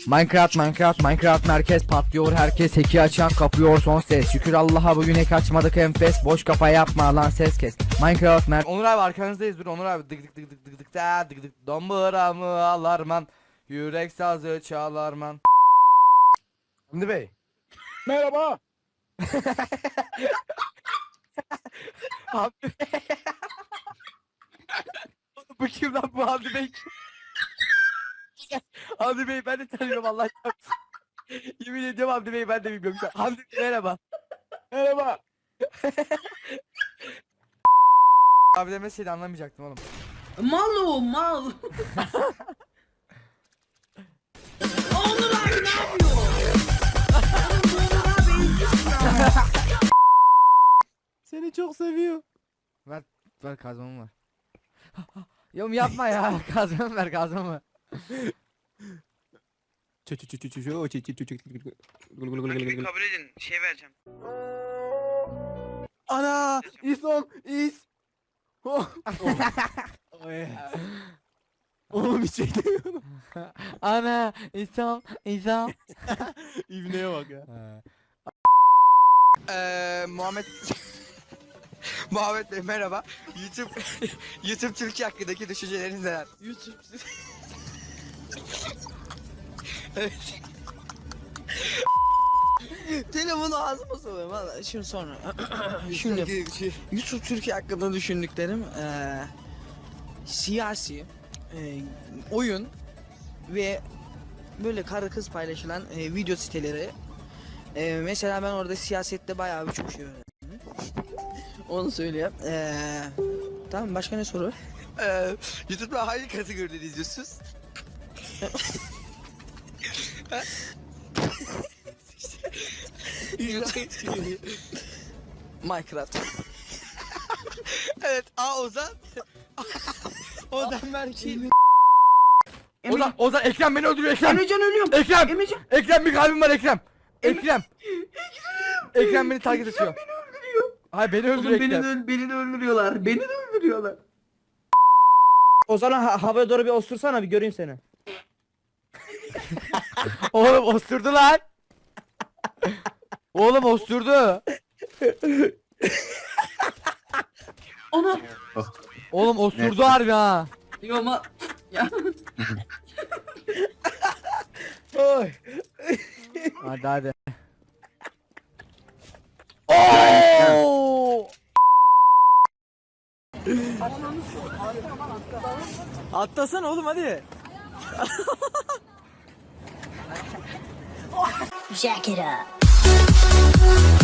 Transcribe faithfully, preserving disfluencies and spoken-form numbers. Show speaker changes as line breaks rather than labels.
Minecraft Minecraft Minecraft merkez patlıyor, herkes heki açan kapıyor son ses. Şükür Allah'a bugün hack açmadık enfes, boş kafa yapma lan ses kes. Minecraft mer Onur abi arkanızdayız, dur Onur abi. Dık dık dık dık dık dık da dık dık domburamı alarman, yürek sazı çalarman. Hamdi Bey.
Merhaba.
Hamdi Bey. Bu kim lan, bu Hamdi Bey kim? Hamdi Bey ben de tanıyorum Allah çarpsın. Yemin ediyorum Hamdi Bey ben de bilmiyorum. Hamdi Bey merhaba.
Merhaba.
Abi demeseydi anlamayacaktım oğlum.
Mal o mal. Onur abi ne yapıyor? Onur abi
Seni çok seviyor. Ver ver kazmamı ver. Yom yapma ya, kazmamı ver kazmamı.
Rakibi kabul edin. Şey vereceğim.
Ana İsom is.
Oğlum hiç şey demiyorum.
Ana İsom İsom.
İbneye bak ya.
Eee Muhammed Muhammed Bey merhaba. YouTube YouTube Türkiye hakkındaki düşünceleriniz neler?
YouTube.
Evet.
Telefonu ağzıma soruyorum valla. Şimdi sonra. Şimdi YouTube Türkiye hakkında düşündüklerim eee siyasi, eee, oyun ve böyle karı kız paylaşılan eee, video siteleri. Eee, mesela ben orada siyasette bayağı bir çok şey öğrendim. Onu söyleyeyim. Eee tamam, başka ne soru?
Eee YouTube'da hangi kategoride izliyorsunuz?
Minecraft.
Evet, A Ozan. Ozan Berke.
Ozan Ozan Ekrem beni öldürüyor, Ekrem.
Emrecan ölüyorum.
Ekrem.
Emrecan.
Ekrem bir kalbim var Ekrem. Ekrem. Ekrem beni takip ediyor.
Beni öldürüyor.
Hayır beni
Oğlum
öldürüyor
beni de,
Ekrem.
öl- beni de öldürüyorlar. Beni de öldürüyorlar.
Ozan'a ha havaya doğru bir osursana, bir göreyim seni.
Oğlum osturdu lan. Oğlum osturdu.
Ona.
Oğlum osturdu harbi ha.
Yo ama. Ya.
Oy.
Hadi hadi. Oo!
Atlasana oğlum hadi.
Jack it up.